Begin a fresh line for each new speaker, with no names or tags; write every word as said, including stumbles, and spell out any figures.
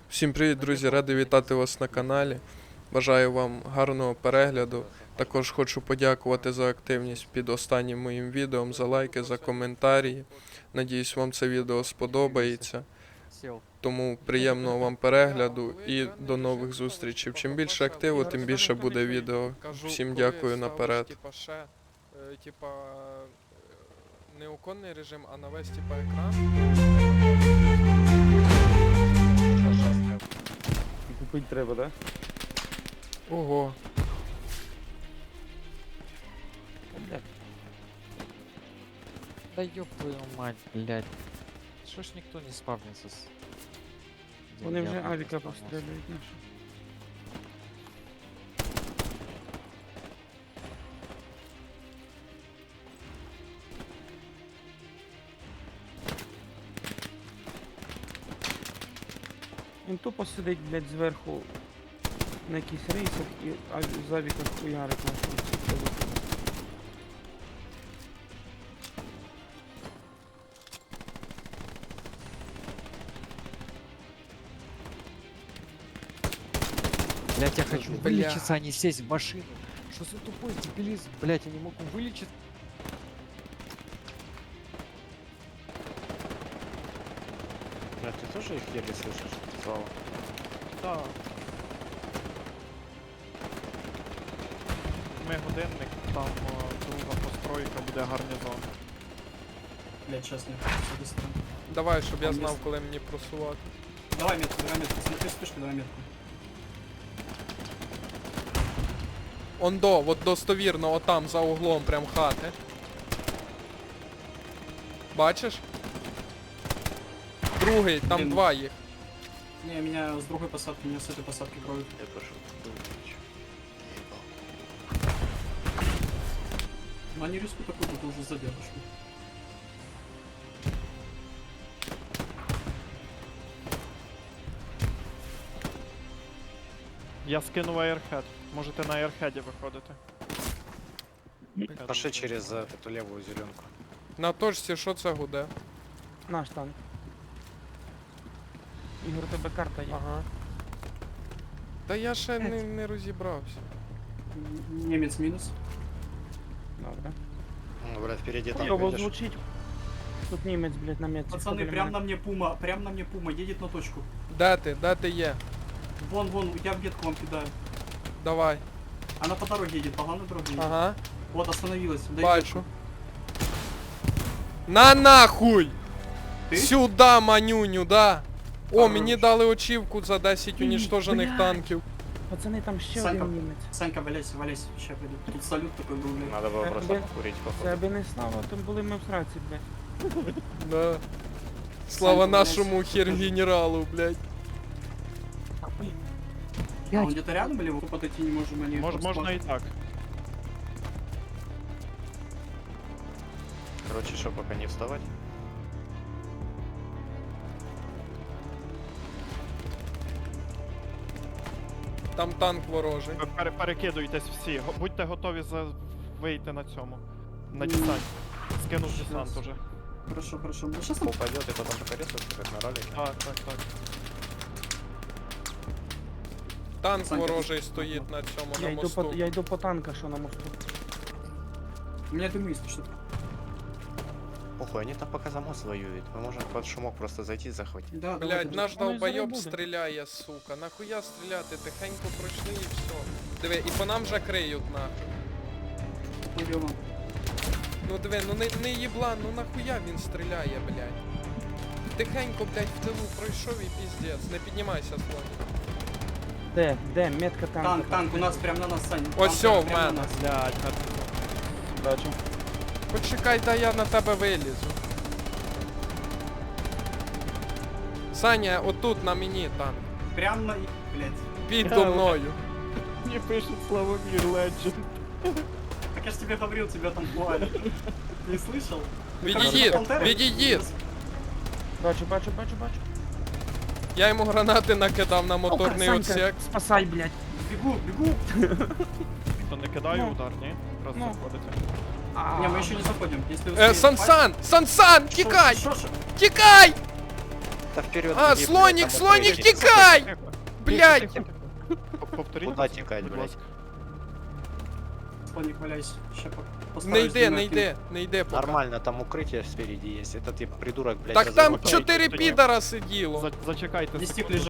Всім привіт, друзі! Радий вітати вас на каналі. Бажаю вам гарного перегляду. Також хочу подякувати за активність під останнім моїм відео, за лайки, за коментарі. Надіюсь, вам це відео сподобається. Тому приємного вам перегляду і до нових зустрічей. Чим більше активу, тим більше буде відео. Всім дякую наперед. Типа не оконний режим, а на весь типа екран.
Купить треба, да?
Ого.
Блядь. Да ёб твою мать, блядь. Что ж никто не спавнится с...
Вони вже
Деревянным
авіка
спавнился.
пострілюють наші. Він тупо сидить, блядь, зверху на якихось рейсах і а з авіка хуярить нашого.
Блядь, я хочу
Бля.
вылечиться, а не сесть в машину. Что за тупой дебилизм? Блядь, я не могу вылечиться.
Бля, ты тоже их еле слышишь? Слава.
Так. Ми годинник, там о, друга постройка буде гарнізон.
Блять, сейчас не с этой стороны.
Давай, щоб я
Там
знав,
є-
коли мені просувати.
Давай метку, давай метку. Смотри вспышку, давай метку.
Ондо, от достовірно, отам, за углом прям хати. Бачиш? Другий, там
Блін.
два їх.
Не, меня с другой посадки, меня с этой посадки кроют.
Я пошел.
Но они риску такой будут уже за дедушку.
Я скинув аерхед. Можете на аерхеді виходити.
Пошли через э, эту левую зеленку.
На точці, що це гуде?
Наш танк. Ігор, у тебе карта є.
Ага. Та я ще не, не розібрався.
М, Немец минус.
Добре.
Ну, брат, впереди там
Хуйово
видишь?
звучить. Тут німець, блядь, на метці.
Пацаны, прям на мне пума, прям на мне пума, едет на точку.
Де ти? Де ти є?
Вон, вон, я в метку вам кидаю.
Давай.
Она по дороге едет, по главной дороге едет.
Ага.
Вот, остановилась. дай
Бачу.
метку.
На нахуй!
Ти?
Сюда, манюню, да. О,
Хорош.
мені дали очівку за десять
Ні,
унічтожених
блядь.
танків.
Пацани, там ще
Санька.
один німець.
Санька, валяйся, валяйся, сейчас пойду. Тут салют такой был, блядь.
Надо было
Э,
просто
блин.
покурить,
Це
походу.
аби не слава, то були ми в сраці, блядь.
Да. Слава
Санька,
нашому
блядь,
хер-генералу, блядь.
А он где-то рядом или мы подойти не можем? Они
Мож,
просто-
можна і так.
Короче, что, пока не вставать?
Там танк ворожий.
Ви пере- перекидуйтесь всі. Го- Будьте готові за... вийти на цьому. На десант. Скинув десант уже.
Хорошо, хорошо. Ну, сейчас там...
Упадет и потом порезается, как на ролике.
Так, так, так.
Танк
Санька,
ворожий стоїть на цьому,
Я
на
йду, по,
мосту.
я йду по танка, що на мосту.
У меня дым есть, что-то.
Похуй, они там пока за мост воюют. Мы можем под шумок просто зайти и захватить.
Да,
Блядь, наш
Ну, і
долбойоб
зараз буде.
стріляє, сука. Нахуя стріляти? Тихенько пройшли і все. Диви, і по нам вже криють нахуй.
Идем.
Ну диви, ну не, не їбла, ну нахуя він стріляє, блядь. Тихенько, блядь, в тилу пройшов і піздець. Не піднімайся, слоні.
Де? Де? Метка танка.
Танк, танк, у нас прям на нас, Саня.
Ось
Танк
всьо, в
прям на
мене.
нас.
Блядь,
Бачу.
Почекай, дай я на тебе вилізу. Саня, отут на мені танк.
Прям на... Блять.
Підо мною.
мені пишуть Славомір Legend.
Так я ж тебе говорил, тебя там плавали. Не слышал?
Відійдіть,
Пантера?
відійдіть.
Бачу, бачу, бачу, бачу.
Я йому гранати накидав на моторний
Санька,
отсек.
спасай, блядь.
Бегу, бегу.
То не кидаю
Ну.
удар, ні? Просто
Ну.
заходите.
А,
Не, мы еще не заходим. Если
Е,
успеем
Сансан! Сансан!
пасть-
Тікай!
Шо- шо- шо?
Тікай!
это вперед.
А,
беги,
слоник,
блядь, там
слоник,
укрытие.
тікай! Блядь!
П- Повторіть,
Куда тікать,
будь
блядь?
ласка.
Слоник, валяйся. Ща по-
Не
постараюсь
йде,
двумя
не
кинуть.
йде, не йде поки.
Нормально, там укрытие спереди есть. Этот я придурок, блядь,
Так там
разорвал.
чотири
Тоді-
підара сиділо.
За- Зачекайте
Десятик
секунду.
лежит.